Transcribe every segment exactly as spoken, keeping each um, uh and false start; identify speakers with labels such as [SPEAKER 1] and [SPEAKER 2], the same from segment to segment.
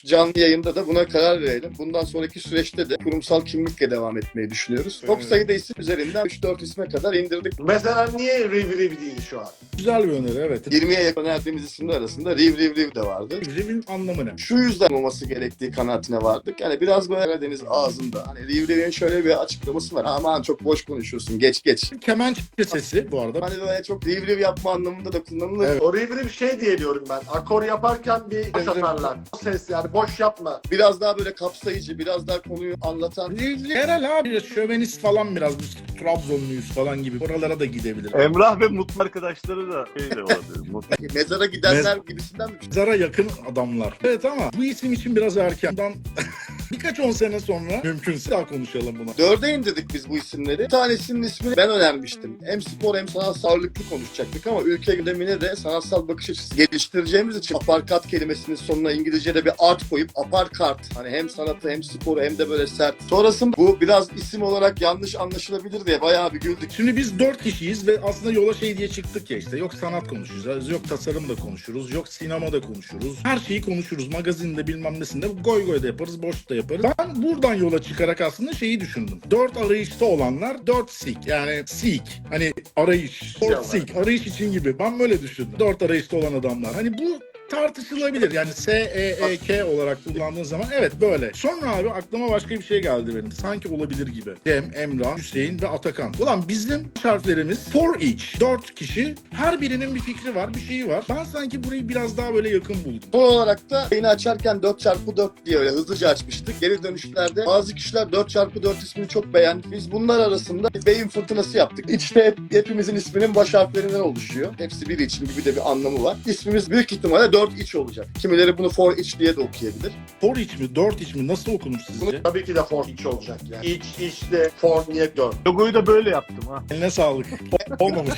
[SPEAKER 1] canlı yayında da buna karar verelim. Bundan sonraki süreçte de kurumsal kimlikle devam etmeyi düşünüyoruz. Çok sayıda isim üzerinden üç dört isme kadar indirdik.
[SPEAKER 2] Mesela niye Riv Riv değil şu an?
[SPEAKER 3] Güzel bir öneri, evet.
[SPEAKER 1] yirmiye yakın önerdiğimiz isimler arasında Riv Riv Riv de vardı.
[SPEAKER 3] Riv'in anlamı ne?
[SPEAKER 1] Şu yüzden olması gerektiği kanaatine vardık. Yani biraz böyle Karadeniz ağzında. Hani Riv Riv'in şöyle bir açıklaması var. Aman çok boş konuşuyorsun, geç geç.
[SPEAKER 3] Kemençe sesi bu arada.
[SPEAKER 1] Hani böyle çok Riv Riv yapma anlamında da kullanılır.
[SPEAKER 3] Evet.
[SPEAKER 2] O Riv Riv şey diye diyorum ben. Akor yaparken bir boş atarlar. O ses yani boş yapma.
[SPEAKER 1] Biraz daha böyle kapsayıcı, biraz daha konuyu anlatan.
[SPEAKER 3] Rivli herhal abi, şövenist falan biraz. Biz Trabzonluyuz falan gibi. Oralara da gidebilir.
[SPEAKER 4] Emrah ve Mutlu arkadaşları da şey de olabilir. Mutlu.
[SPEAKER 1] Mezara gidenler gibisinden mi?
[SPEAKER 3] Zara yakın adamlar. Evet ama bu isim için biraz erken. Bundan birkaç on sene sonra mümkünse daha konuşalım buna.
[SPEAKER 1] Dörde indirdik biz bu isimleri. Bir tanesinin ismini ben önermiştim. Hem spor hem sanatsal ağırlıklı konuşacaktık ama ülke gündemine de sanatsal bakış açısı geliştireceğimiz için aparkat kelimesinin sonuna İngilizce'de bir art koyup aparkart. Hani hem sanatı hem sporu hem de böyle sert. Sonrasında bu biraz isim olarak yanlış anlaşılabilir diye bayağı bir güldük.
[SPEAKER 3] Şimdi biz dört kişiyiz ve aslında yola şey diye çıktık ya, işte yok sanat konuşacağız, yok tasarım da konuşuruz, yok sinema da konuşuruz. Her şeyi konuşuruz. Magazinde bilmem nesinde goy goy da yaparız, boş da yaparız. Ben buradan yola çıkarak aslında şeyi düşündüm. Dört arayışta olanlar dört seek, yani seek. Hani arayış. Dört seek. Arayış için gibi. Ben böyle düşündüm. Dört arayışta olan adamlar. Hani bu tartışılabilir. Yani S E E K olarak kullandığın zaman evet böyle. Sonra abi aklıma başka bir şey geldi benim. Sanki olabilir gibi. Cem, Emrah, Hüseyin ve Atakan. Ulan bizim harflerimiz for each. Dört kişi. Her birinin bir fikri var, bir şeyi var. Ben sanki burayı biraz daha böyle yakın buldum.
[SPEAKER 1] Son olarak da yayını açarken dört çarpı dört diye öyle hızlıca açmıştık. Geri dönüşlerde bazı kişiler dört çarpı dört ismini çok beğendi. Biz bunlar arasında bir beyin fırtınası yaptık. İçte hep, hepimizin isminin baş harflerinden oluşuyor. Hepsi biri için gibi de bir anlamı var. İsmimiz büyük ihtimalle dört iç olacak. Kimileri bunu for each diye de okuyabilir.
[SPEAKER 3] For each mi, dört iç mi? Nasıl okunur sizce?
[SPEAKER 2] Bunu tabii ki de for iç olacak yani. İç, içte, for niye dört?
[SPEAKER 4] Logoyu da böyle yaptım ha.
[SPEAKER 3] Eline sağlık. Olmamış.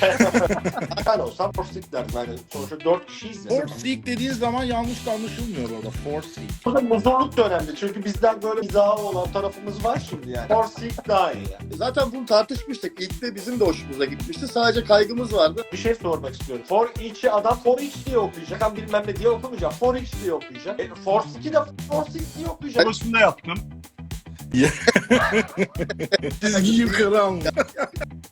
[SPEAKER 2] Ben olsam for seek derdim. Yani sonuçta dört kişiyiz ya.
[SPEAKER 3] For seek dediğin zaman yanlış da anlaşılmıyor orada. For seek.
[SPEAKER 2] Burada muzurluk da önemli. Çünkü bizden böyle mizahı olan tarafımız var şimdi yani. For seek daha iyi yani.
[SPEAKER 1] Zaten bunu tartışmıştık. İlk de bizim de hoşumuza gitmişti. Sadece kaygımız vardı.
[SPEAKER 2] Bir şey sormak istiyorum. For each'i adam for each diye okuyacak. Adam bilmem ne diye okumayacak. For each diye okuyacak. E, for seek'i de for seek diye okuyacak.
[SPEAKER 4] Logosunu da yaptım.
[SPEAKER 3] Çizgi yukarı almış.